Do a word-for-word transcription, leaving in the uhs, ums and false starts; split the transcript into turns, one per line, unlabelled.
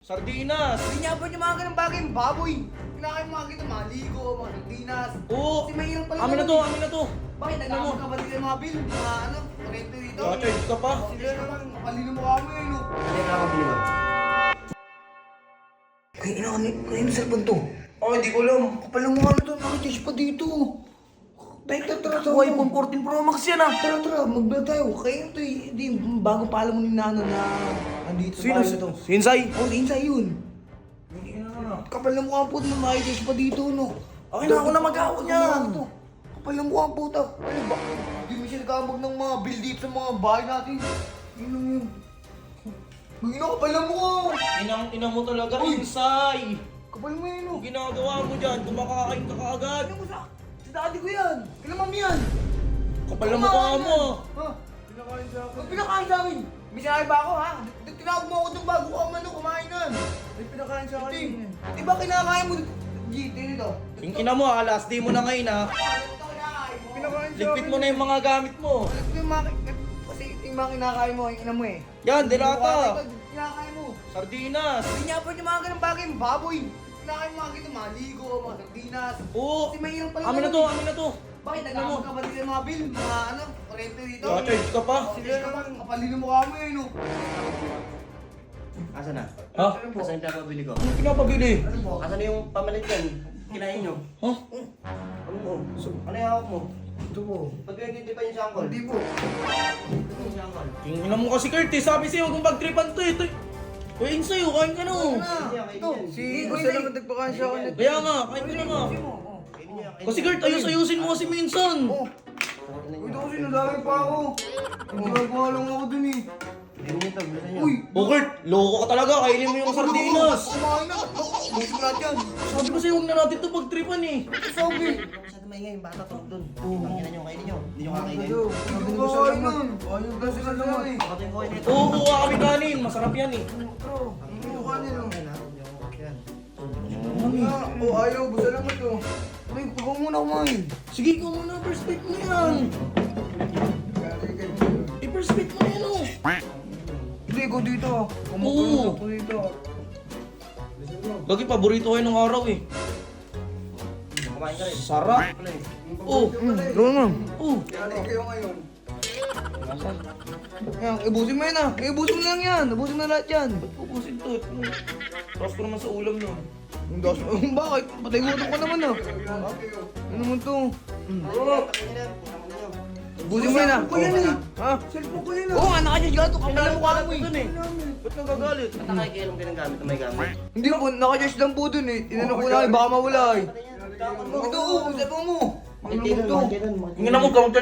Sardinas.
Pinyabot yung mga ganang bagay, yung baboy. Kinakain mga ganito, mga ligo, mga sardinas.
Oo.
Kasi mahirap pala.
Amin na to, amin na to.
Bakit
Ano mo?
nagkakaroon ka ba dito yung mga bill? Mga ano, kurente dito?
Charge ka pa.
Sila naman, makalino mo kami eh, no?
Hindi ka nakabili ba?
Ay, ina, ano ano yung cellphone to? Oh, hindi ko alam. Kapal ng mukha na to, nakatish pa dito. Tara, tara, tara.
Ako iPhone fourteen Pro Max yan ah.
Tara, tara, mag-vlog tayo. Kaya ito eh, di, bago pa alam mo ni Nano na andito sa
Sino?
bahay na to.
Si Insay.
Oh, si Insay yun. Kapal ng mukha po, nakatish pa dito, no?
Okay na, ako na mag-aawak niyan.
Ano to? Kapal ng mukha po, ta. Ano ba? Hindi mo siya nagkamag ng mga bill dito sa mga bahay natin. Yun lang yun. Ang ina, kapal ng mukha.
Inang ina mo talaga,
Uy.
Insay.
Kapal mo yun, no?
Ang ginagawa mo dyan, kumakain ka kaagad.
Ano mo sa... Sa daddy ko yan. Kailan mami yan?
Kapal na mukha mo.
Ha? Pinakain sa akin. Ba't pinakain sa akin? May sinabi ba ako, ha? Di- Tinawag mo ako doon bago ka man kumain nun. May pinakain sa akin. Di ba kinakain mo? G, dito.
Yung ina mo ah, last day mo na ngayon ah.
Pinakain
Ligpit mo na yung mga gamit mo.
Yung mga... Kasi yung mga kinakain mo, yung ina mo eh.
Yan, delata.
Kinakain mo.
Sardinas.
Pinyabot yung mga ganang bagay, yung baboy. Kinakain mo mga ganito, mga ligo, mga sardinas.
Oo.
Kasi mahirap pala.
Amin na to, amin na to.
Bakit nagkakaroon ka ba dito yung mga bill? Mga ano, kurente dito?
Charge ka pa.
Sila naman, kapalino mo kami eh, no?
Asa na?
Ha?
Asa yung pinapabili ko?
Ano pinapabili?
Asa na yung pamalit yan? Kinain nyo?
Ha?
Ano mo? Ano yung hawak mo?
Ito po.
Ba't pinagtiti pa yung sangkol?
Hindi po.
Ito yung sangkol.
Yung ina mo kasi Kurt eh, sabi sa'yo kung pagtripan to eh. Ito, Kuya Insay, oh, kain ka na oh.
Ito, si Gusto naman nagpakain siya ako nito.
Kaya nga, kain ka na nga.
Kainin nyo yan, kainin
Kasi
nyo.
Kurt, ayos-ayusin mo kasi minsan.
Oh, ito kasi nadami pa ako. Nagagawa lang ako dun eh.
Kainin nyo to, bilisan nyo.
Uy!
Oh Kurt, loko ka talaga, kainin mo yung sardinas.
Kumain na! Buti lahat yan!
Sabi ko sa'yo, huwag na natin ito pagtripan eh.
Sabi!
Masyado maingay yung bata tulog dun. Pangkinan nyo, kainin nyo. Hindi nyo kakainin.
Hindi ko kain nun! Ayun kasi sila naman eh.
Bakit yung kainin nito?
Oo, kuha kami kanin, masarap yan eh.
Bro, hindi ko kanin oh.
Yan.
Oh, ayaw, basta naman to. Ay, ikaw muna kumain.
Sige, ikaw muna, first pick mo yan. I-first pick mo yan oh.
Hindi, ikaw dito.
Oo.
Kumukulong ako dito.
Lagi paborito kayo ng araw eh.
Kumain ka rin.
Sarap.
Ano eh?
Oh,
Hmm, doon na.
oh.
Kaya kayo ngayon. Yan, ibusin mo yan ah. Ibusin mo lang yan. Ibusin mo na lahat yan.
Pupusin to. Tapos ko naman sa ulam no.
Ang das mo. Bakit? Patay gutom ka naman ah. Ano naman to?
Kainin nyo yan. Kumain nyo.
Ibusin mo yan ah.
Ko yan eh.
Ha? Cellphone ko yan ah. Oo nga, nakadyan gato. Kapal mo ka mo eh.
Dun eh. Ba't nagagalit?
Ba't nakikilom ka ng gamit na may gamit?
Hindi po, nakadyan lang po dun eh. Tinanong ko na baka mawala eh.
Patay yan.
Ito, oh, cellphone mo. Ang
Hindi
lungkot
nun,
to.
hindi nun.
Tingnan mo,